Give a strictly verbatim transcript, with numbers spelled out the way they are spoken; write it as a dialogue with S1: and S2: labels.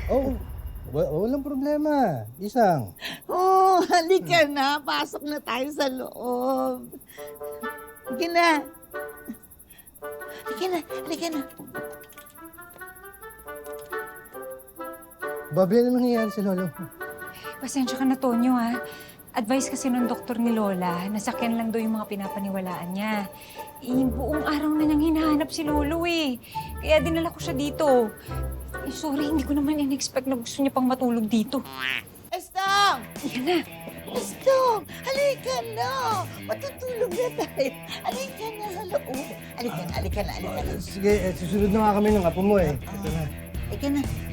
S1: Oo, wa walang problema. Isang.
S2: Oh, halika na. Pasok na tayo sa loob. Halika na. Halika na, halika na.
S1: Bobby, ano nangyayari sa lolo?
S3: Pasensya ka na, Tonyo, ha? Advice kasi ng doktor ni Lola, nasakyan lang daw yung mga pinapaniwalaan niya. Eh, buong araw na niyang hinahanap si Lolo, eh. Kaya dinala ko siya dito. Eh, sorry, hindi ko naman in-expect na gusto niya pang matulog dito.
S2: Estong!
S3: Yan na.
S2: Estong! Halika na. Matutulog na tayo. Halika na sa loob. Halika na, halika na, halika na.
S1: Sige, eh, susunod na nga kami ng apo mo eh. Ito na.
S2: Halika na.